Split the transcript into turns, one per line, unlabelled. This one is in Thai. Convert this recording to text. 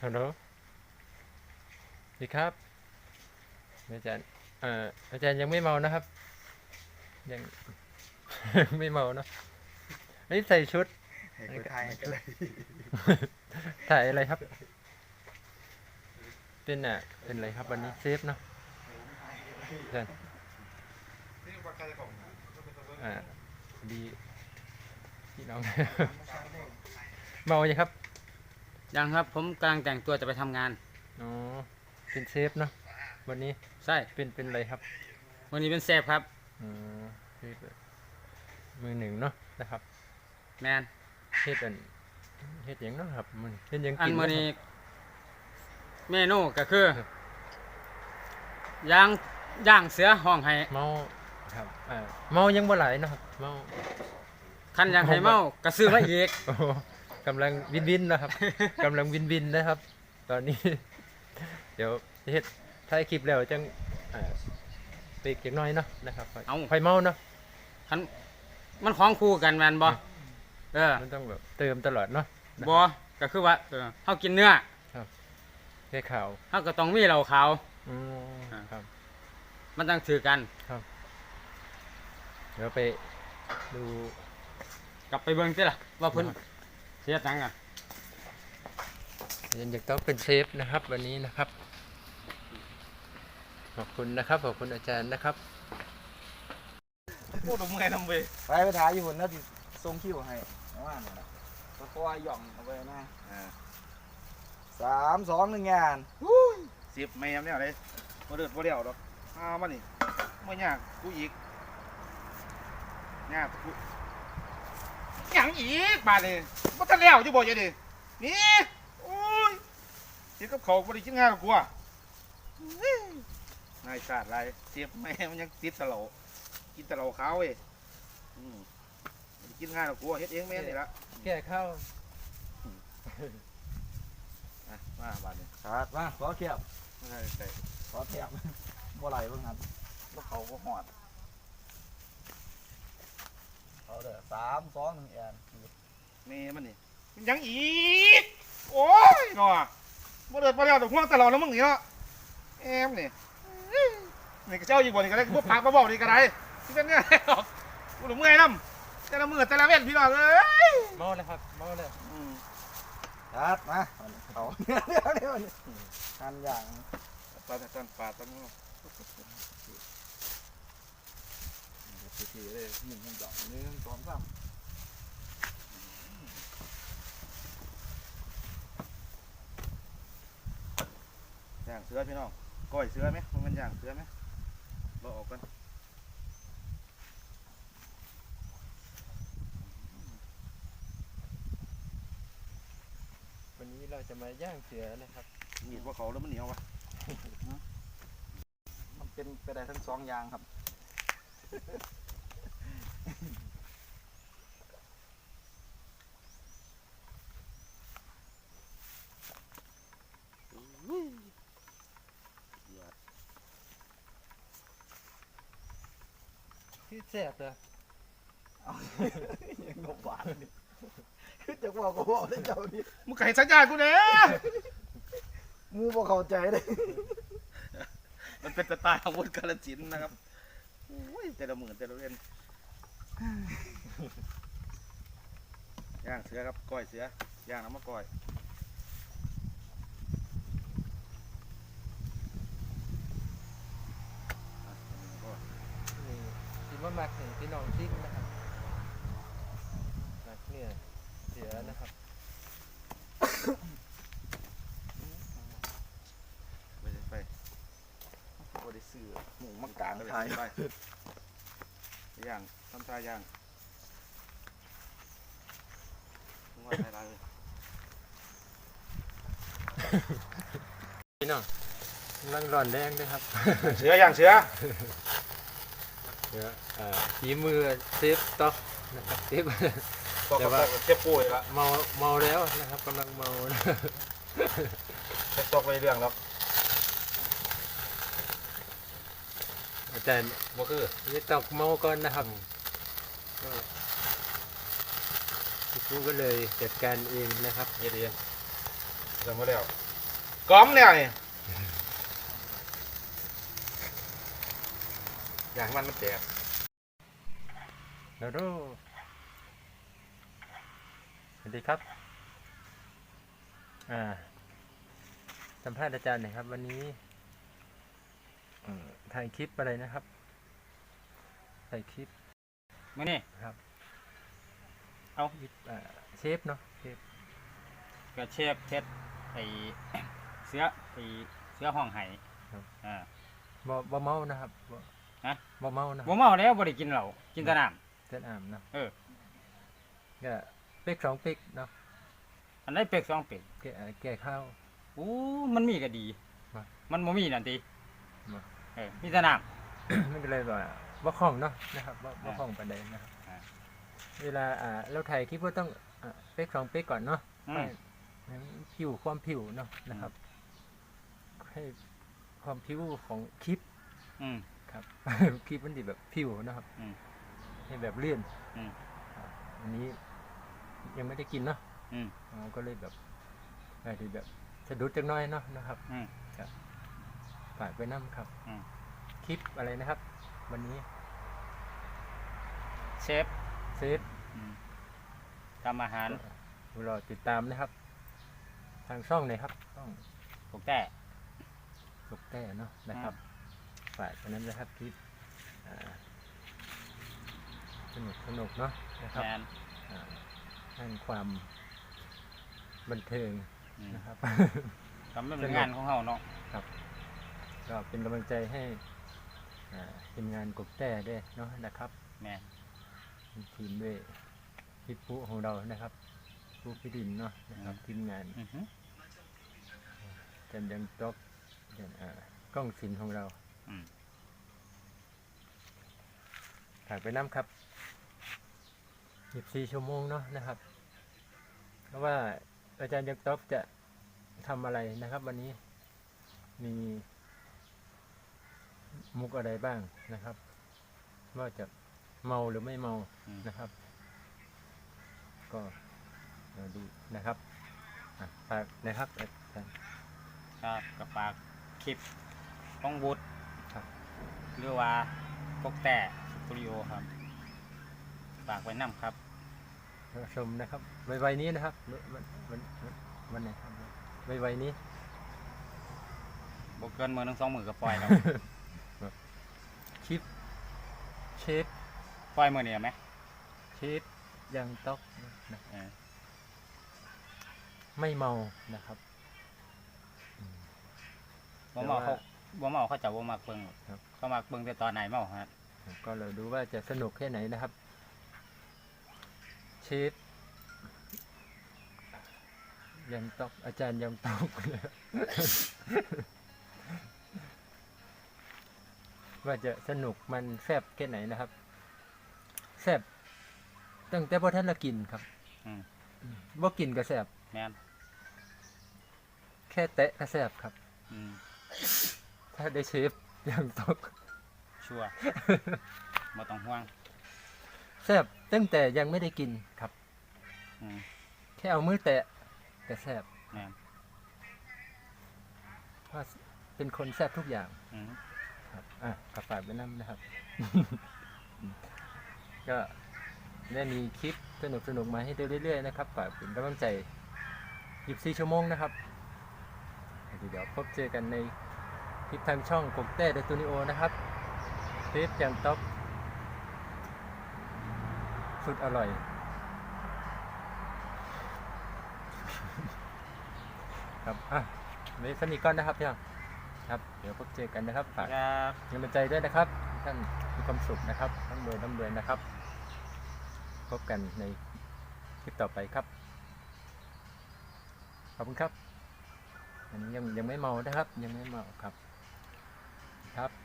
ฮัลโหลดีครับอาจารย์อาจารย์ยังไม่เมานะครับยัง ไม่เมาเนอะอันนี้ใส่ชุด
ให้คนไทยกันเลย
ถ่ายอะไรครับเป็นอะไรครับวันนี้เซฟเนาะอาจารย์ดีพี่น้อง เมายังครับ
ยังครับผมกำลังแต่งตัวจะไปทำงาน
อ๋อเป็นเซฟเนาะวันนี้
ใช่
เป็นอะไรครับ
วันนี้เป็นเซฟครับ
อืมเซฟมือหนึ่งเนาะนะครับ
แมน
เฮ็ดหยังเนาะครับมันเฮ็ดหยัง
อัน
กิน
มื้อนี้
เนาะ
เมนูก็คือย่างเสือห้องให้
เมาครับเมายังบ่หลายเนาะครับเมา
คันอยากให้เมากระซื้อมาอีก
โอ้โหกำลังวินนะครับ กำลังวินนะครับ ตอนนี้ เดี๋ยวเฮ็ดถ่ายคลิปแล้วจังไปอีกจักหน่อยเนาะนะครับค่อยเมาเนาะ
คันมันของคู่กันแม่นบ่
มันต้องแบบเติมตลอดเนาะ
บ่ก็คือว่าเฮากินเนื้อ
แค่ข่าว
เฮาก็ต้องมีเหล้าขาว
ครับ
มันต้องถือกัน
ครับเดี๋ยวไปดู
กลับไปเบิ่งสิล่ะว่าเพิ่นเสียตังค์อ่ะ
ยังต้องเป็นเซฟนะครับวันนี้นะครับขอบคุณนะครับขอบคุณอาจารย์นะครับ
พูดถึงไงทำไปถ่ายอยู่บนนั้นที่ทรงคิวให้ว่าเนี่ยนะก็ย่องเอาไปนะ3-2 1งาน10ไม่ยำเนี่ยเลยมาเดือดมาเดี่ยวดอกมานี่ไม่ยากกูอีกยากกูอย่างอีกบาดเลยมาทะเลวจะบอกยังดินี่โอ้ยเจ็บกับเขาบริจิตงานกับกูนายศาสตร์ไรเจ็บแม่มันยังติดตะเหลากินตะเหลาขาวเว้ยกินง่ายกับกูเฮ็ดเองแม่นี่ละ
แก่ข้าว
มาบาดนี้ครับมาขอเทียบขอเทียบบ่ไหลบ้างครับแล้วเขาก็หอดเขาเด้อ3-2 1แอนเมย์มันนี่มันยังอีกโอ้ยหนอบ่เดือดบ่แล้วแต่ห่วงตลอดแล้วมึงนี่เนาะแอมนี่นี่ก็เจ้าอยู่บ่นี่ก็ได้พวกพักมาบอกนี่ก็ได้ที่เป็นเนี่ยกูหนุ่มเมื่อยน้ำแต่ละมือแต่ละเว้นพี่น้องเอ้ย
เมาเลยครับเมาเลย
ครับมาเขาเดี๋ยวทานอย่างปลาตั้งทีเลย1 2 1 2 3ย่างเสือพี่น้องก้อยเสือไหมมันย่างเสือไหมเราออกกัน
วันนี้เราจะมาย่างเสือนะครับ
มีดว่าเขาแล้วมันเหนียววะมันเป็นไปได้ทั้ง2อย่างครับ
ที่แสบเลย
ยังงบหวานคือจะบอกก็บอกได้เจ้านี่
มึงไก่สัญญากูเนี่ย
มูบอกเข้าใจเลย
มันเป็นสไตล์อาวุธกาลสินนะครับโอ้ยแต่ละหมื่นแต่ละเว้นย่างเสือครับก้อยเสือย่างน้ำมะก้อย
คิดว่ามาถึงพี่น้องซิ่งนะครับมาเนี่ยเสือนะครับ
ไปบริสื่อหมูมังกรไทยย่างทำทายย่างว่าอะไรเลย
พี่น้องรังร้อนแดงด้วยครับ
เสือย่างเสือ
ฝีมือเซฟต็อกนะครับเซฟ
แต่ว่าเจ็บป่วยละ
เมาแล้วนะครับกำลังเมา
เจ็บตกไปเรื่องแล้ว
อาจารย์
บ่คือ
นี่ตกเมาก่อนนะครับครูก็เลยจัดการเองนะครับ
เฮ็ดเองจำไว้แล้วก้อมเนี่ยนี่อย่างมันแตก
โดโดสวัสดีครับสัมภาษณ์อาจารย์หน่อยครับ วันนี้ถ่ายคลิปอะไรนะครับถ่ายคลิป
มื้อนี้
ครับ
เอา
เชฟเนาะเชฟ
ก็เชฟเฮ็ดไอ้ เสือห้องไห้อ่า
บ่เมานะครับบ่
ฮะ
บ่เมานะ
บ่เมาแล้วบ่ได้กินเหล้ากินแต่น้ำ
เส้นอ่ามเนาะ
เออ
ก็เป๊ก2เป๊กเนาะ
อันใดเป็ก2เป็ก
แก่ข้าว
อู้มันมีก็ดี
มา
มันบ่มีนั่นติ
มา
เออมีแต่น้ำ
มันก็เลยว่าบ่คล่องเนาะนะครับบ่คล่องปานใดนะครับ
อ่า
เวลาเราถ่ายคลิปก็ต้องเป๊ก2เป๊กก่อนเนาะ
อืม
ให้ผิวความผิวเนาะนะครับ ให้ความผิวของคลิป
อืม
ครับ คลิปมันดีแบบผิวนะครับ
อืม
ให้แบบเลื่อน
อืม
ครับอันนี้ยังไม่ได้กินเนาะ
อืม
ก็เลยแบบอาจจะแบบสะดุดจักหน้อยเนาะนะครับ
อืม
ครับฝากไปน้ำครับ
อืม
คลิปอะไรนะครับ วันนี้
เชฟ
เซฟ
อืมทำอาหาร
รอติดตามนะครับ ทางช่องไหนครับช่อง
พวกแต่
สุกแต้เนาะนะครับฝากกันนั้นนะครับคลิปสนุกเนาะนะครับ
แมน
ให้ความบันเทิง
อืม
นะครับ
ทำเป็นงานของเฮาเนาะ
ก็เป็นกำลังใจให้ทีมงานกบแต้ด้วยเนาะนะครับ
แม่น
ทีมด้วยพี่ปุ๊ของเรานะครับปุ๊พี่ดินเนาะนะครับทีมงาน
อือฮึ
จันยังตอกกล้องศิลป์ของเรา
อืม
ถ่ายไปน้ำครับ24ชั่วโมงเนาะนะครับเพราะว่าอาจารย์ยังตอกจะทำอะไรนะครับ วันนี้มีมุกอะไรบ้างนะครับ ว่าจะเมาหรือไม่เมา
อืม
นะครับ ก็เราดูนะครับฝากนะครับอาจารย์
ครับกับฝากคลิปของบุตร
ครับ
หรือว่าพวกแต่สตูดิโอครับฝากไว้นํครับ
ชมนะครับไวๆนี้นะครับวันไหนครับไวๆนี้
บ่เกินมื้อหนึง2มื้อก็ปล่อยแล้ว
คลิปเชฟ
ปล่อยมื้อนี้ไหม
เชฟยังต๊อกนะ
เออ
ไม่เมานะครับ
บ่เมาเขาบ่เมาเขาจะบ่มักเบิ่งหรอก
ครับ
เขามักเบิ่งแต่ตอนไหนเมาฮะ
ก็เราดูว่าจะสนุกแค่ไหนนะครับเชฟยังต๊อกอาจารย์ยังต๊อก ว่าจะสนุกมันแซ่บแค่ไหนนะครับแซ่บตั้งแต่พอท่านละกินครับ
อืม
บ่กินก็แซ่บ
แม่น
แค่แตะก็แซ่บครับ
อืม
ถ้าได้เชฟยังต๊อก
ชัวร์บ่ต้องห่วง
แซ่บตั้งแต่ยังไม่ได้กินครับ
อืม
แค่เอามือแตะก็แซ่บ
แม่น
เพราะเป็นคนแซ่บทุกอย่าง
อืม
ครับกระฝากไปน้ำนะครับ ก็ได้มีคลิปสนุกมาให้ดูเรื่อยๆนะครับฝากเป็นกำลังใจ24ชั่วโมงนะครับเดี๋ยวพบเจอกันในคลิปทางช่องกบแต้เดอะสตูดิโอนะครับเชฟจังต๊อกสุดอร่อย ครับไว้สนิทก่อนนะครับพี่น้องครับเดี๋ยวพบเจอกันนะครับฝาก
ครับ
กำลังใจด้วยนะครับท่านมีความสุขนะครับร่ำรวยนะครับ พบกันในคลิปต่อไปครับ ขอบคุณครับอันนี้ยังไม่เมานะครับ ยังไม่เมาครับ